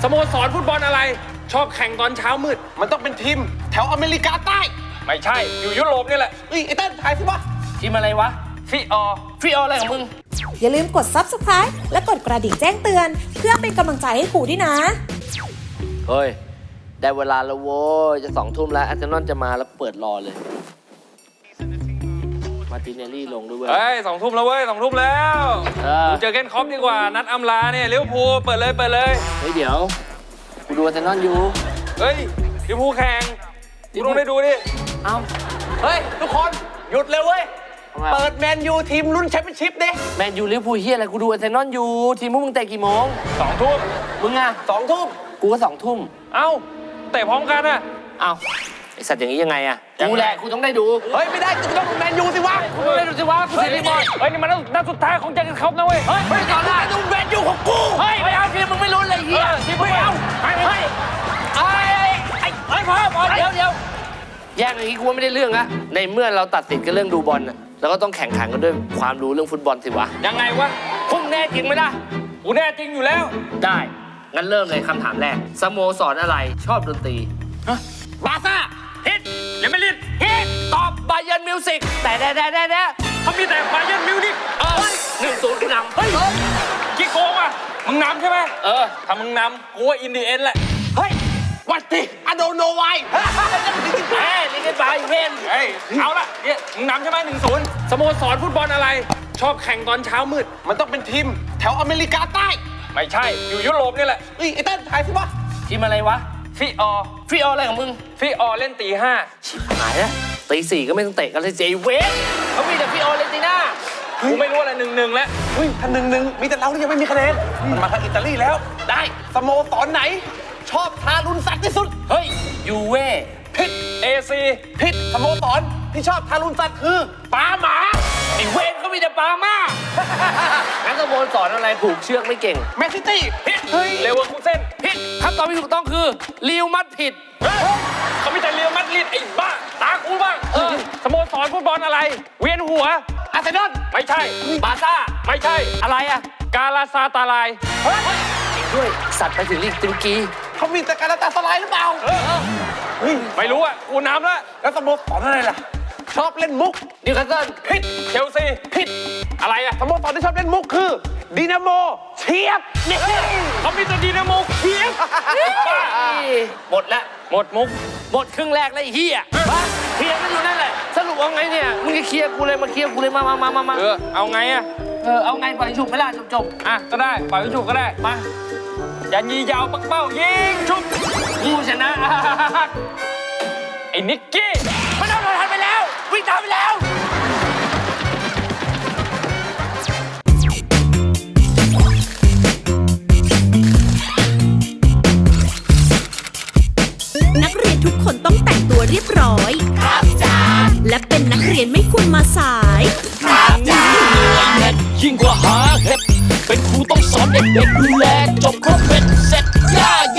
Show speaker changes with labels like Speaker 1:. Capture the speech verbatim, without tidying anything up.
Speaker 1: สโมสรฟุตบอลอะไรชอบแข่งตอนเช้ามืด
Speaker 2: มันต้องเป็นทีมแถวอเมริกาใต้
Speaker 1: ไม่ใช่อยู่ยุโรปนี่แหละ
Speaker 2: เฮ้ยไอ้เต้นถ่ายสิวะ
Speaker 3: ทีมอะไรวะ
Speaker 1: ฟิออ
Speaker 3: ฟิอออะไรของมึง
Speaker 4: อย่าลืมกด ซับสไครบ์ และกดกระดิ่งแจ้งเตือนเพื่อเป็นกำลังใจให้ครูด้วยนะ
Speaker 3: เฮ้ยได้เวลาแล้วโว้ยจะสองทุ่มแล้วอาร์เซนอลจะมาแล้วเปิดรอเลยมาร์ติเนลลี่ลงด้วย
Speaker 1: เฮ้ยสองทุ่มแล้วเว้ยสองทุ่มแล้ว
Speaker 3: เออ
Speaker 1: เจอเกนคอปดีกว่านัดอำลาเนี่ยลิเวอร์พูลเปิดเลยเปิดเลย
Speaker 3: เฮ้ยเดี๋ยวกูดูอาร์เซนอลอยู่
Speaker 1: เฮ้ยลิเวอร์พูลแข่งกูต้องได้ดูดิ
Speaker 3: เอ้า
Speaker 2: เฮ้ยทุกคนหยุดเลยเว้ยเปิดแมนยูทีมรุ่นแชมเปี้ยนชิพดิ
Speaker 3: แมนยูลิเวอร์พูลเฮียอะไรกูดูอาร์เซนอลอยู่ทีมพวกมึงเตะกี่โมง
Speaker 1: สองทุ่ม
Speaker 3: มึงอะ
Speaker 2: สองทุ่ม
Speaker 3: กูก็สองทุ่ม
Speaker 1: เอ้าเตะพร้อมกันอะ
Speaker 3: เอ้าไอสัตว์อย่างนี้ยังไงอะกูแหละกูต้องได้ดู
Speaker 2: เฮ้ยไม่ได้กูต้องดูแมนยูสิวะ
Speaker 3: กูต้องได้ดูสิวะกูเสียรีบอล
Speaker 1: เฮ้ยนี่มันนัดสุดท้ายของเจอเกนคอปนะเว้ย
Speaker 3: เฮ้ยไม่ก่อนละ
Speaker 2: ดูแมนยูของกู
Speaker 3: เฮ้ยไม่เอาทีมมึงไม่รู้เลยเฮีย
Speaker 1: ทีมไม่เอา
Speaker 3: เฮ้ยเฮ้ยไอ้ไอ้ไอ้พ่อพ่อเดี๋ยวเดี๋ยวแย่งอย่างนี้กูว่าไม่ได้เรื่องละในเมื่อเราตัดสินกันเรื่องดูบอลน่ะแล้วก็ต้องแข่งขันกันด้วยความรู้เรื่องฟุตบอลสิวะ
Speaker 1: ยังไงวะ
Speaker 3: พุ่งแน่จริงไหมล่ะ
Speaker 1: กูแน่จริงอยู่แล้ว
Speaker 3: ได้งั้นเริ่มเลยคำถามแรกสโมสรอะไรชอบดนตรี
Speaker 1: บาซ่าฮิตเรอัลมาดริด
Speaker 3: ฮิตตอบบาเยิร์นมิวสิกแต่แต่แต่แต่แต่
Speaker 1: เขามีแต่บาเยิร์นมิวนิก
Speaker 3: เออหนึ่งศูนย์กูนำเฮ้ย
Speaker 1: กี่โกงอ่ะมึงนำใช่ไหม
Speaker 3: เออ
Speaker 1: ถ้ามึงนำกูว่าอินดีเอ็นแหละ
Speaker 2: เฮ้ยวัดดิอะโดโนไว
Speaker 3: เฮ้ยลิงก์ไปเพ่น
Speaker 1: เฮ้ยเอาละเนี่ยมึงนำใช่ไหมหนึ่งศูนย์สโมสรฟุตบอลอะไรชอบแข่งตอนเช้ามืด
Speaker 2: มันต้องเป็นทีมแถวอเมริกาใต้
Speaker 1: ไม่ใช่อยู่ยุโรปนี่แหละ
Speaker 2: เฮ้ยไอ้เต้นถ่ายสิวะ
Speaker 3: ทีมอะไรวะ
Speaker 1: ฟิออ
Speaker 3: ฟิอออะไรของมึง
Speaker 1: ฟิออเล่นตีห้า
Speaker 3: ชิบหายแล้วตีสี่ก็ไม่ต้องเตะกันเลยเจเวสเขามีแต่ฟิออเลนติน่า
Speaker 1: กูไม่รู้อะไรหนึ่งหนึ่งแล้ว
Speaker 2: เฮ้ยถ้าหนึ่งหนึ่งมีแต่เราที่ยังไม่มีคะแนนมันมาทางอิตาลีแล้ว
Speaker 3: ได้
Speaker 2: สโมสรไหนชอบทารุณสัตว์ที่สุด
Speaker 3: เฮ้ยยูเว่
Speaker 2: ผิด
Speaker 1: เอ ซี
Speaker 2: ผิดสโมสรที่ชอบทารุณสัตว์คือ
Speaker 3: ปาหมาไอ้เวนเขามีแต่ปาม่างั้นสโมสรอะไรผูกเชือกไม่เก่ง
Speaker 2: แมนซิตี้
Speaker 1: ผิดเฮ้ยเลเวอร์คูเซ่น
Speaker 3: ผิดคำตอบที่ถูกต้องคือลิวมัดผิด
Speaker 1: เขามีแต่เรียวมัดริดไอ้บ้าตากูบ้างสโมสรฟุตบอลอะไรเวียนหัว
Speaker 2: อาร์เซนอล
Speaker 1: ไม่ใช่
Speaker 3: บาซ่า
Speaker 1: ไม่ใช่
Speaker 3: อะไรอะ
Speaker 1: กาลาซาตาลาย
Speaker 3: เฮ้ยด้วยสัตว์ไปถึงลีกตุรกี
Speaker 2: เขามีแต่การตาสลายหรือเปล่า
Speaker 1: เฮ้ยไม่รู้อ่ะกูน้ำแล้ว
Speaker 2: แล้วสโมสรอะไรล่ะชอบเล่นมุก
Speaker 3: นิวคาสเซิล
Speaker 1: ผิดเชลซี
Speaker 2: ผิด
Speaker 1: อะไรอ่ะ
Speaker 2: สโมสรที่ชอบเล่นมุกคือดินาโมเชียบ
Speaker 1: เนี่ยเขามีแต่ดินาโมเชียบ
Speaker 3: หมดแล้ว
Speaker 1: หมดมุก
Speaker 3: หมดครึ่งแรกแล้วไอ้เหี้ยเคลียร์กันอยู่นั่นแหละสรุปเอาไงเนี่ยมึงจะเคลียร์กูเลยมาเคลียร์กูเลยมามามามา
Speaker 1: เออเอาไงอ่ะ
Speaker 3: เออเอาไงปล่อยฉุบไม่ล่ะจบจบ
Speaker 1: อ่ะก็ได้ปล่อยฉุบก็ได้มาอย่ายียาวปักเป้ายิงชุบ
Speaker 3: กูชนะ
Speaker 1: ไอ้นิกกี้
Speaker 3: ไม่ต้องทันไปแล้ววิ่งตามไปแล้ว
Speaker 4: นักเรียนทุกคนต้องแต่งตัวเรียบร้อยครับจ้าและเป็นนักเรียนไม่ควรมาสายครับจ้า
Speaker 5: ยิ่งกว่าหาเห็ดเป็นครูต้องสอนเด็กๆดูแลจบครบ